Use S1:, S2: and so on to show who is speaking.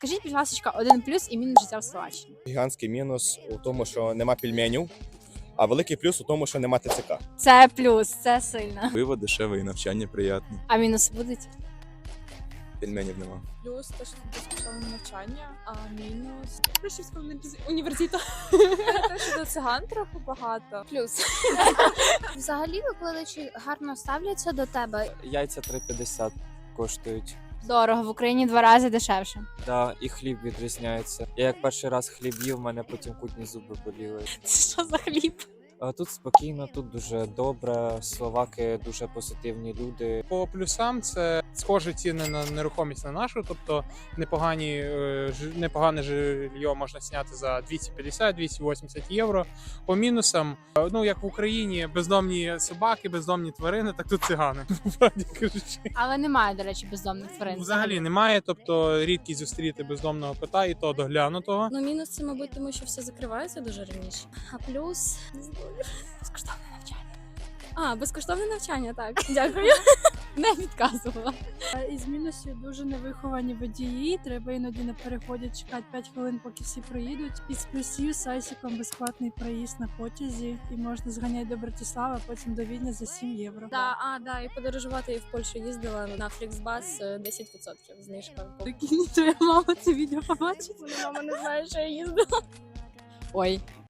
S1: Скажіть, будь ласка, один плюс і мінус життя в Словаччині.
S2: Гігантський мінус у тому, що нема пельменів, а великий плюс у тому, що нема ТЦК.
S1: Це плюс, це сильно.
S3: Пиво дешеве і навчання приємне.
S1: А мінуси будуть?
S2: Пельменів нема.
S4: Плюс те, що безкоштовне навчання, а мінус Рашівського університету. Те, що до циган трохи багато.
S1: Плюс.
S5: Взагалі викладачі гарно ставляться до тебе.
S6: Яйця 3,50 коштують.
S1: Дорого, в Україні 2 рази дешевше.
S6: Да, і хліб відрізняється. Я як перший раз хліб їв, в мене потім кутні зуби боліли.
S1: Це що за хліб?
S6: А тут спокійно, тут дуже добре. Словаки дуже позитивні люди.
S7: По плюсам це схожі ціни на нерухомість на нашу, тобто непогане жилье можна зняти за 250-280 євро. По мінусам, ну як в Україні, бездомні собаки, бездомні тварини, так тут цигани, правді кажучи.
S1: Але немає, до речі, бездомних тварин.
S7: Взагалі немає, тобто рідкість зустріти бездомного кота і то доглянутого.
S8: Ну, мінус це, мабуть, тому що все закривається дуже раніше. А плюс
S1: Безкоштовне навчання.
S8: безкоштовне навчання, так. Дякую.
S1: Не відказувала.
S9: Із мінусів дуже невиховані водії. Треба іноді на переході чекати 5 хвилин, поки всі проїдуть. Із плюсів з Айсіком безплатний проїзд на потязі. І можна зганяти до Братислава, а потім до Відня за 7 євро.
S8: Да, і подорожувати я в Польщу їздила на Фліксбас 10% знижка.
S9: Прикинь, твоя мама це відео побачить.
S8: Мама не знає, що я їздила.
S1: Ой,